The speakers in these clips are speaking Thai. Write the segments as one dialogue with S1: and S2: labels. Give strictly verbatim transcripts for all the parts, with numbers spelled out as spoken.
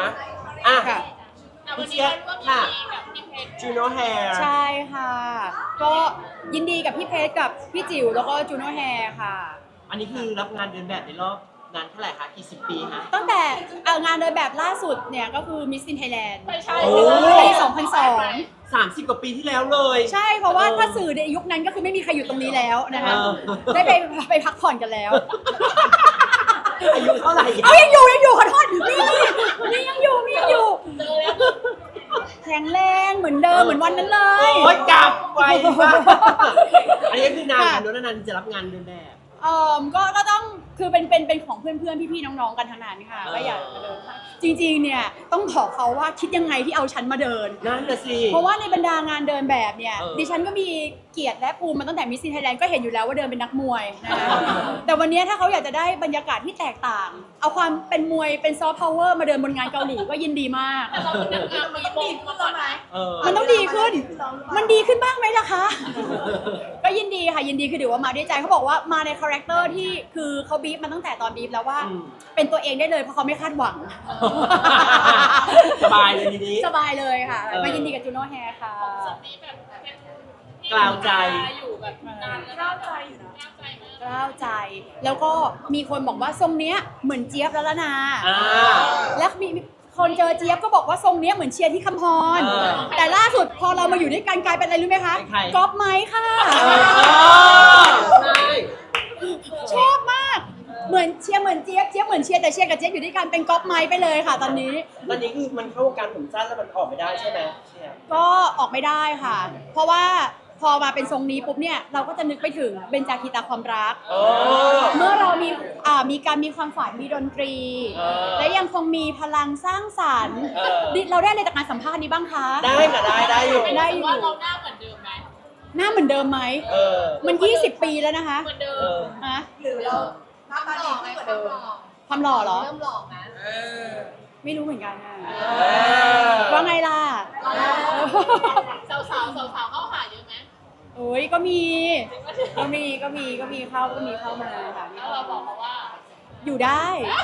S1: อ่ะ
S2: ค่ะ
S1: พี่เจี๊ยบค่ะจูโน่แฮร์
S2: ใช่ค่ะ ก็ยินดีกับพี่เพชรกับพี่จิ๋วแล้วก็จูโน่แฮร์ค่ะ
S1: อันนี้คือรับงานเดินแบบในรอบนานเท่าไหร่คะกี่สิบปีคะ
S2: ตั้งแต่เอางานเดินแบบล่าสุดเนี่ยก็คือ Miss in Thailand
S1: ใช่
S2: ปีสองพันสอง
S1: สามสิบกว่าปีที่แล้วเลย
S2: ใช่เพราะว่าถ้าสื่อในยุคนั้นก็คือไม่มีใครอยู่ตรงนี้แล้วนะคะ
S1: เออ
S2: ได้ไปไปพักผ่อนกันแล้ว
S1: อายุเท่าไหร่
S2: เอายังอยู่ยังอยู่ขอโทษนี่นี่ยังอยู่นี่ยังอยู่แข็งแรงเหมือนเดิมเหมือนวันนั้นเลย
S1: โอ้ยกลับไวมากอันนี้คือนานๆโน้นนานๆจะรับงานเดินแบบ
S2: เอ่อก็ก็ต้องคือเป็นเป็นเป็นของเพื่อนๆพี่ๆน้องๆกันทั้งนั้นค่ะ
S1: เออ
S2: ก็อยากมาเดินให้จริงๆเนี่ยต้องขอเขาว่าคิดยังไงที่เอาฉันมาเดิน
S1: นั่นน่ะสิ
S2: เพราะว่าในบรรดางานเดินแบบเนี่ย
S1: เออ
S2: ดิฉันก็มีเกียรติและภูมิมาตั้งแต่มิสซินไทยแลนด์ก็เห็นอยู่แล้วว่าเดินเป็นนักมวยนะคะแต่วันนี้ถ้าเขาอยากจะได้บรรยากาศที่แตกต่าง เอาความเป็นมวยเป็นซอฟต์พาวเวอร์มาเดินบนงานเกาหลีก็ยินดีมาก
S3: มันต้องดีขึ้นแล้วไหม
S1: เออ
S2: มันต้องดีขึ้น มันดีขึ้นบ้างไหมล่ะคะ ก็ยินดีค่ะยินดีคือถือว่ามาด้วยใจเขาบอกว่ามาในคาแรคเตอร์ที่คือเขาบีฟมาตั้งแต่ตอนบีฟแล้วว่า
S1: อืม
S2: เป็นตัวเองได้เลยเพราะเขาไม่คาดหวัง
S1: สบายเลยทีนี้
S2: สบายเลยค่ะ
S1: เออ
S2: มายินดีกับจูโน่แฮร์ค่ะ
S1: กล่าวใจ
S3: อยู่แบบนานแล้วกล้าวใจอยู่นะกล้าวใจมาก
S2: กล้าวใจ แล้วก็มีคนบอกว่าทรงเนี้ยเหมือนเจี๊ยบแล้วละนา
S1: อ่า
S2: แล้วมีคนเจอเจี๊ยบก็บอกว่าทรงเนี้ยเหมือนเชียร์ที่คำพร
S1: เออ
S2: แต่ล่าสุดพอเรามาอยู่ด้วยกันกลายเป็นอะไรรู้ไหมคะ
S1: เป็นใคร
S2: ก๊อปไม้ค่ะ
S1: ใช่
S2: ชอบมาก เหมือนเชียร์เหมือนเจี๊ยบเจี๊ยบเหมือนเชียร์แต่เชียร์กับเจี๊ยบอยู่ด้วยกันเป็นก๊อปไม้ไปเลยค่ะ ตอนนี้
S1: ตอนนี้คือมันเข้าวงการผมสั้นแล้วมันออกไม่ได้ใช่ไหมเชี่ย
S2: ก็ออกไม่ได้ค่ะ เพราะว่าพอมาเป็นทรงนี้ปุ๊บเนี่ยเราก็จะนึกไปถึงเบญจาคีตาความรัก
S1: อ๋อ
S2: เมื่อเรามีอ่ามีการมีความฝันมีดนตรี
S1: เออ
S2: และยังคงมีพลังสร้างสรรค์
S1: เออ
S2: ดิเราได้อะไรจากการสัมภาษณ์นี้บ้างคะ
S1: ได้ค่ะได้ได้อยู่
S2: ได้อยู่
S3: ว่าเราหน้าเหมือนเดิมไหม
S2: หน้าเหมือนเดิมไหม
S1: เออ
S2: มันยี่สิบปีแล้วนะคะ
S3: เหมือนเดิ
S1: เอ
S3: ม
S1: อ
S2: ฮะ
S3: หรือเราหน้าตาดีขึ้นกว่าเดิม
S2: ความหล่อเหรอ
S3: เริ่มหล่อนะ
S2: ไม่รู้เหมือนกันอะ
S1: อ
S2: ว่าไงล่ะ
S3: สาวสาวสาวสาวๆเข้าหาเยอะไหม
S2: โอ้ยก็มี ก็มีก็มีก็มีเข้าก็มีเข้ามาค่ะมี
S3: แล้ว
S2: เข้า
S3: เราบ
S2: มา
S3: อกเขาว่า
S2: อยู่ได้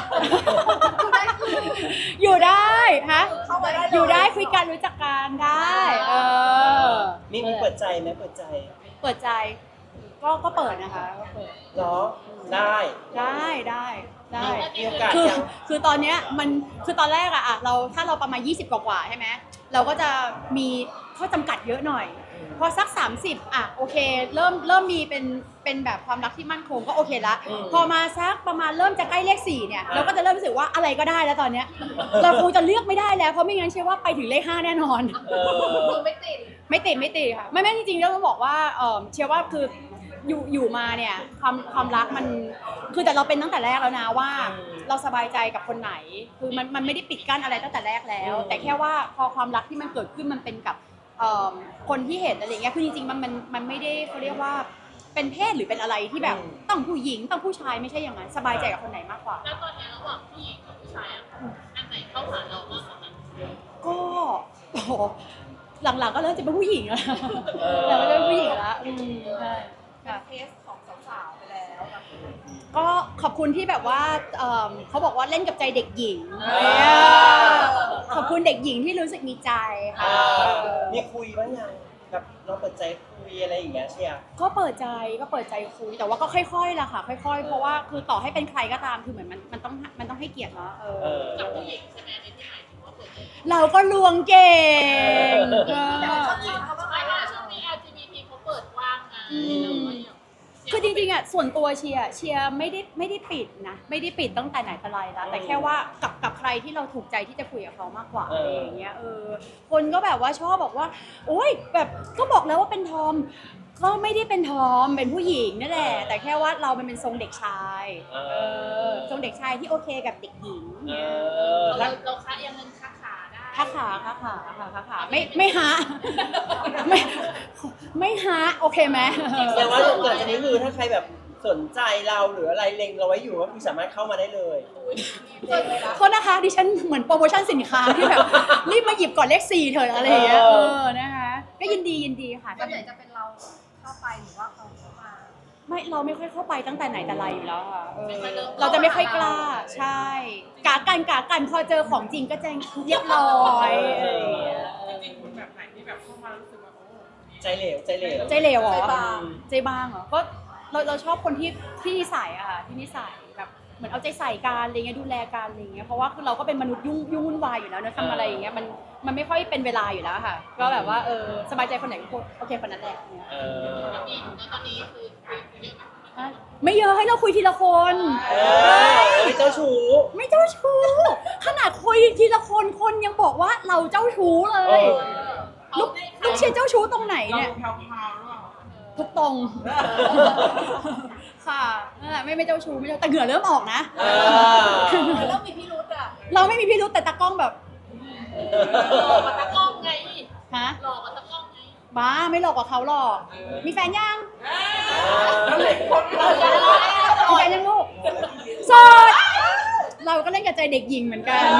S2: อยู่ได้ฮะ
S3: เข้ามาได้
S2: อยู่ได้คุยกันรู้จักกันได้ เออ
S1: มีมีเปิดใจไหมเปิดใจ
S2: เปิดใจ ก็ก็เปิดนะคะก็เปิด
S1: เหรอ ได้
S2: ได้ได้ได้
S1: มีโอกาส
S2: คือ
S1: ยัง
S2: คือตอนเนี้ยมันคือตอนแรกอะอะเราถ้าเราประมาณยี่สิบกว่าๆใช่ไหมเราก็จะมีข้อจำกัดเยอะหน่อย พอสักสามสิบอะโอเค เริ่มเริ่มมีเป็นเป็นแบบความรักที่มั่นคงก็โอเคละ
S1: อืม
S2: พอมาสักประมาณเริ่มจะใกล้เลขสี่เนี่ย
S1: อ่ะ
S2: เราก็จะเริ่มรู้สึกว่าอะไรก็ได้แล้วตอนเนี้ยเราคงจะเลือกไม่ได้แล้วเพราะไม่งั้นเชื่อว่าไปถึงเลขห้าแน่นอน
S1: เออ
S3: คือไม่ติด
S2: ไม่ติดไม่ติดค่ะไม่ไม่จริงๆเราต้องบอกว่าเออเชื่อว่าคืออยู่อยู่มาเนี่ยความความรักมันคือแต่เราเป็นตั้งแต่แรกแล้วนะว่า
S1: อืม
S2: เราสบายใจกับคนไหน คือมันมันไม่ได้ปิดกั้นอะไรตั้งแต่แรกแล้ว
S1: อืม
S2: แต่แค่ว่าพอความรักที่มันเกิดขึ้นมันเป็นกับเอ่อคนที่เห็นอะไรเงี้ยคือจริงๆมันมันมันไม่ได้เขาเรียกว่าเป็นเพศหรือเป็นอะไรที่แบบต้องผู้หญิงต้องผู้ชายไม่ใช่อย่างนั้นสบายใจกับคนไหนมากกว่า
S3: แล้วตอนนี้ระหว่างผู้หญิงกับผู้ชายอ่ะอันไหนเข้าหาเรามากกว่ากัน
S2: ก็โอ้โหหลังๆก็เริ่มจะเป็นผู้หญิงแล้ว
S1: เออ
S2: แต่ไม่ได้เป็นผู้หญิงแล้วอืมใช่ค่ะ
S3: เคสของสาวๆไปแล้ว
S2: ก็ขอบคุณที่แบบว่าเอิ่มเขาบอกว่าเล่นกับใจเด็กหญิง
S1: อ่า
S2: เออขอบคุณเด็กหญิงที่รู้สึกมีใจ
S1: เอ
S2: ค่ะ
S1: อมีคุยบ้างยังแบบเราเปิดใจคุยอะไรอย่างเงี้ยเชียร์
S2: ก็เปิดใจก็เปิดใจคุยแต่ว่าก็ค่อยๆล่ะค่ะ ค่อย ๆ เพราะว่าคือต่อให้เป็นใครก็ตามคือเหมือนมันมันต้องมันต้องให้เกียรติเนาะเออ
S1: เออ
S3: กับผู้หญิงใช่ไหมในที่หมายถึงว่าเปิดใจ
S2: เราก็ลวงเก่ง
S1: เออ
S2: เออ
S3: ไม่ว่าช่วงนี้ แอล จี บี ที เขาเปิดกว้างไง
S2: อืม
S3: เราก็ยัง
S2: คือจริงๆอ่ะส่วนตัวเชียร์เชียร์ไม่ได้ไม่ได้ปิดนะไม่ได้ปิดตั้งแต่ไหนแต่ไรแล้วแต่แค่ว่ากับกับใครที่เราถูกใจที่จะคุยกับเขามากกว่า
S1: เอออ
S2: อะไรอย่างเงี้ยเออคนก็แบบว่าชอบบอกว่าโอ๊ยแบบก็บอกแล้วว่าเป็นทอมก็ไม่ได้เป็นทอมเป็นผู้หญิงนั่นแหละแต่แค่ว่าเรามันเป็นทรงเด็กชาย
S1: เอ
S2: เอ
S1: อ
S2: อทรงเด็กชายที่โอเคกับเด็กหญิง
S1: เอ
S2: เนี่ย
S1: อ
S3: เรา
S1: แล้ว
S3: เราค้ายังเงินค้าขาได้
S2: ค้าขาค้าขาค่ะค้าขาไม่ไม่หาไม่ไม่หาโอเคไหม
S1: แสดงว่าหลังจากนี้คือถ้าใครแบบสนใจเราหรืออะไรเล็งเราไว้อยู่ก็คือสามารถเข้ามาได้เลย
S2: โทษนะคะดิฉันเหมือนโปรโมชั่นสินค้าที่แบบรีบมาหยิบก่อนเลขสี่เถอะอะไรอย่างเงี้ย
S1: เอ
S2: เอ
S1: อ
S2: อนะคะก็ยินดียินดีค่ะ
S3: ส่วนใหญ่จะเป็นเราเข้าไปหรือว่าเขาเข้ามา
S2: ไม่เราไม่ค่อยเข้าไปตั้งแต่ไหนแต่ไรอยู่แล้วค่ะเออ
S3: ไม่ค่อยเริ่ม
S2: เราจะไม่ค่อยกล้าใช่กากันกากันพอเจอของจริงก็จะเรียบร้อยอะไรอย่างเงี้ย
S4: จริงๆคุณแบบไหนที่แบบเข้ามารู้สึกว่าโอ้
S1: ใจเหลวใจเหลว
S2: ใจเหลวเหรอ
S1: ใจบาง
S2: ใจบางเหรอก็เราเราชอบคนที่ที่นิสัยอะค่ะที่นิสัยแบบเหมือนเอาใจใส่กันอะไรเงี้ยดูแลกันอะไรเงี้ยเพราะว่าคือเราก็เป็นมนุษย์ยุ่งยุ่งวุ่นวายอยู่แล้วเนอะทำอะไรอย่างเงี้ยมันมันไม่ค่อยเป็นเวลาอยู่แล้วค่ะ ก็แบบว่าเออสบายใจคนไหนก็โอเคคนนั้นแหละเนี่ย
S1: เออ
S3: แล้วมีแล้วตอนนี้คือเยอะไหม
S2: อ่ะไม่เยอะให้เราคุยทีละคน
S1: เออเอ้ยเจ้าชู้
S2: ไม่เจ้าชู้ขนาดคุยทีละคนคนยังบอกว่าเราเจ้าชู้เล
S1: เอย อ
S2: ลูกลูกเชียร์เจ้าชู้ตรงไหน
S4: เรา
S2: เนี่ย
S4: แพรวๆหรือเปล่า
S2: ทุกตรง ค่ะนั่นแหละไม่ไม่เจ้าชู้ไม่เจ้าแต่เหงื่อเริ่มออกนะ
S1: เออ
S3: แล้วมีพี่รุธอ่ะ
S2: เราไม่มีพิรุธแต่ตากล้องแบบ
S3: หลอกกับตะกล้องไง
S2: ฮะ
S3: หลอกกับตะกล้องไง
S2: บ้าไม่หลอกกว่าเขาหรอกมีแฟนยัง
S4: แล้วเหล็กคน
S2: มีแฟนยังลูกโสดเราก็เล่นกับใจเด็กหญิงเหมือนกัน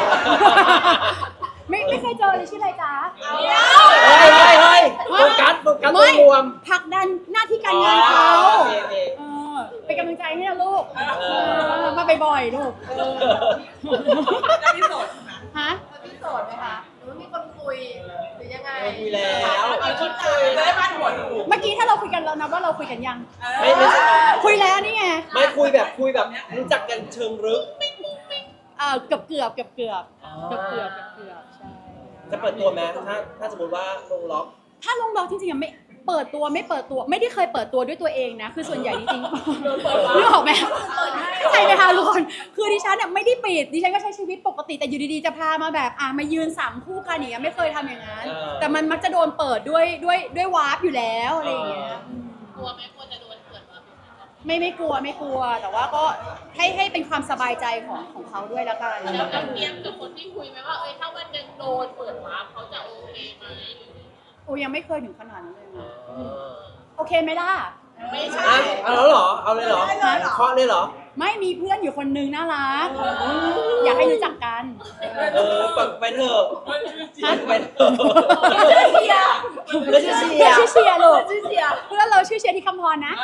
S2: ไม่ไม่เคยเจอเลยชื่ออะไรจ๊ะ
S1: เฮ้ยเฮ้ยเฮ้ยโฟกัสโฟกัสตัวรวม
S2: ผลักดันหน้าที่การงานเขา
S1: อ๋อโอเคโอเค
S2: เออเป็นกำลังใจให้นะลูก
S1: เออ
S2: เออมาบ่อยๆลูกเออ
S4: จะพิสูจน์นะ
S2: ฮะ
S3: พี่โสดไหมคะหรือว่ามีคนคุยหรือยังไง
S1: ไม่คุยแล้ว
S4: เอาชุดคุยจะได้บ้านหัวถูก
S2: เมื่อกี้ถ้าเราคุยกันเรานับว่าเราคุยกันยัง
S1: ไม่ไม่ใช่
S2: คุยแล้วนี่ไง
S1: ไม่คุยแบบคุยแบบรู้จักกันเชิงลึก
S2: เออเกือบเกือบเกือบเกือบเกือบเกือบเกือบเกือบใช่
S1: จะเปิดตัวไหมถ้าถ้าสมมติว่าลงล็อก
S2: ถ้าลงล็อกจริงๆอะไม่เปิดตัวไม่เปิดตัวไม่ได้เคยเปิดตัวด้วยตัวเองนะคือส่วนใหญ่จริงๆนึกออกไหมเข้าใจไหมคะทุกคนคือดิฉันเนี่ยไม่ได้ปิดดิฉันก็ใช้ชีวิตปกติแต่อยู่ดีๆจะพามาแบบอ่ะมายืนสามคู่กันอย่างเงี้ยไม่เคยทำอย่างนั้น
S1: เออ
S2: แต่มันมักจะโดนเปิดด้วยด้วยด้วยวาร์ปอยู่แล้วอะไรอย่างเงี้ย
S3: กลัวไหมกลัวจะโดนเปิดมา
S2: ไม่ไม่กลัวไม่กลัว แต่ว่าก็ให้ให้เป็นความสบายใจของของเขาด้วยแล้วกัน
S3: แล้วเราเตรียมกับคนที่คุยไหมว่าเอ้ยถ้าวันหนึ่งโดนเปิดวาร์ปเขาจะโอเคไหม
S2: โอ้ยังไม่เคยถึงขนาดนั้นเลยนะ
S1: เออ
S2: โอเคไหมล่ะ
S3: ไม่ใช่
S1: อ่ะเอาแล้วเหรอ เอาเลยเหรอเคาะเลยเหรอ
S2: ไม่มีเพื่อนอยู่คนนึงน่ารักอยากให้รู้จักกัน
S1: เออเปิดไปเถอะ
S2: ฮะ
S1: ไปเถอะ
S2: เชียร์
S1: แล้วจะเชีย
S2: เพื่อน
S1: ร์
S2: ชื่อเชียร์ลูก
S3: ชื่อเสีย
S2: เพื่อนเราชื่อเชียร์ที่คำพรนะ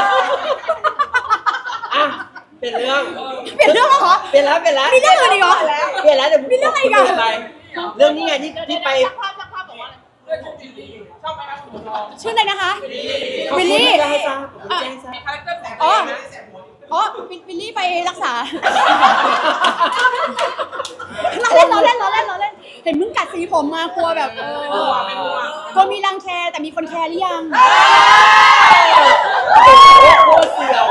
S1: อ่ะเป็นเรื่อง
S2: เปลี่ยนเรื่องแล้วเหรอ
S1: เปลี่ยนแล้วเปลี่ยนแล้ว
S2: มีเรื่องอื่นอีกเหรอ
S1: เปลี่ยนแล้วเดี๋ยว
S2: มีเรื่องอะไรอีกอ่ะ
S1: ปเรื่องนี้ไงที่ที่ไป
S3: ช่างภาพช่างภาพบอกว่าอะไร
S4: เรื่องจริงๆชอบไหมครับคุณทอง
S2: ชื่ออะไรนะคะ
S1: ขอบ
S2: วิล
S1: คุณ
S2: ลี่
S1: ที่ให้ทราบขอบคุณที่ให้ทราบ
S4: มีคาแรคเตอร์แสง
S2: อ๋อ
S4: เองนะแสงหัว
S2: อ๋อวิวิลลี่ไปรักษาเราเล่นเราเล่นเราเล่นเราเล่น เห็นมึงกัดสีผมมากลัวแบบเออกลัวมีรังแคแต่มีคนแคร์หรือยัง
S1: โคตรเสียว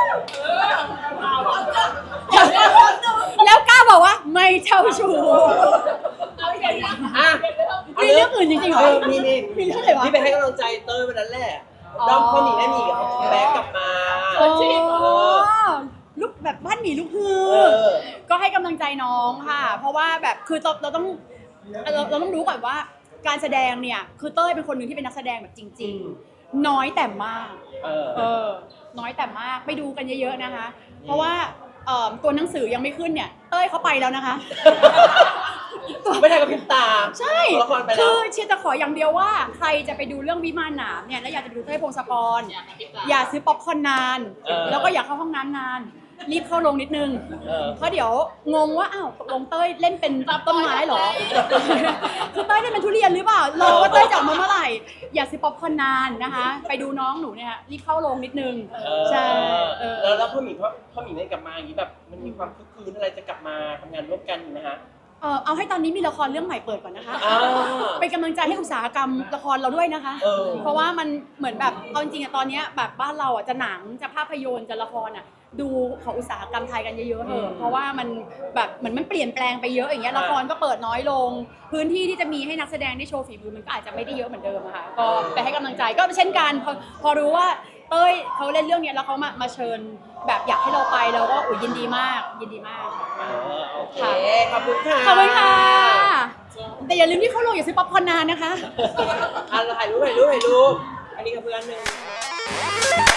S2: แล้วกล้าบอกว่าไม่เจ้าชู้
S1: อ่ะ
S2: มีเรื่องอื่นจริงๆเหรอ
S1: เออมีมี
S2: มีเรื่องอะไรวะ
S1: ที่ไปให้กำลังใจเต้ยวันนั้นแหละ
S2: อ๋อ
S1: ด้อมพ่อหนีแม่หนีกับเขาแบ็กกลับมา
S2: โอ้
S1: เออ
S2: ลูกแบบบ้านหมีลูกฮือ
S1: เออ
S2: ก็ให้กำลังใจน้องค่ะ เพราะว่าแบบคือเราเราต้องเราเราต้องรู้ก่อนว่าการแสดงเนี่ยคือเต้ยเป็นคนหนึ่งที่เป็นนักแสดงแบบจริง ๆ น้อยแต่มาก
S1: เออ
S2: เออ น้อยแต่มากไปดูกันเยอะๆนะคะ เพราะว่าเอ่อตัวหนังสือยังไม่ขึ้นเนี่ย เต้ยเขาไปแล้วนะคะ
S1: ไม่ได้กับพริบตา
S2: ใช่
S1: ตัวละครไป
S2: คื
S1: แล้ว
S2: อเชียร์จะขออย่างเดียวว่าใครจะไปดูเรื่องวิมานหนามเนี่ยแล้วอยากจะไปดูเต้ยพงศกร
S3: อยากกระพริบตา
S2: อย่าซื้อป๊อปคอร์นนาน
S1: เออ
S2: แล้วก็อย่าเข้าห้องน้ำนาน รีบเข้าลงนิดนึง
S1: เออ
S2: เพราะเดี๋ยวงงว่าอ้าวตกลงเต้ยเล่นเป็นต้นไม้เหรอ คือเต้ยเล่นเป็นทุเรียนหรือเปล่ารอว่าเต้ยจะออกมาเมื่อไหร่ อย่าซื้อป๊อปคอร์นนานนะคะ ไปดูน้องหนูเนี่ยรีบเข้าลงนิดนึง
S1: เออ
S2: ใช่เออ
S1: แล้วแล้วพ่อหมีพ่อพ่อหมีได้กลับมาอย่างนี้แบบมันมีความคึกคืนอะไรจะกลับมาทำงานร่วมกันอยู่นะฮะ
S2: เออเอาให้ตอนนี้มีละครเรื่องใหม่เปิดก่อนนะคะ
S1: อ่า
S2: เป็นกำลังใจให้อุตสาหกรรมละครเราด้วยนะคะ
S1: เออ
S2: เพราะว่ามันเหมือนแบบเอาจริงๆอะตอนเนี้ยแบบบ้านเราอะจะหนังจะภาพยนตร์จะละครอะดูของอุตสาหกรรมไทยกันเยอะๆเถอะเพราะว่ามันแบบเหมือนมันเปลี่ยนแปลงไปเยอะอย่างเงี้ยละครก็เปิดน้อยลง พื้นที่ที่จะมีให้นักแสดงได้โชว์ฝีมือมันก็อาจจะไม่ได้เยอะเหมือนเดิมอะค่ะก็ไปให้กำลังใจก็เช่นกันพอพอรู้ว่าเต้ยเขาเล่นเรื่องเนี้ยแล้วเขามามาเชิญแบบอยากให้เราไปเราก็อุยยินดีมากยินดีมาก
S1: เออโอเคขอบคุณค่ะ
S2: ขอบคุณค่ะ แต่อย่าลืมที่เข้าโรงอย่าซื้อป๊อปคอร์นนานนะคะ
S1: อ่ะถ่ายรูปถ่ายรูปถ่ายรูปอันนี้กับเพื่อนหนึ่ง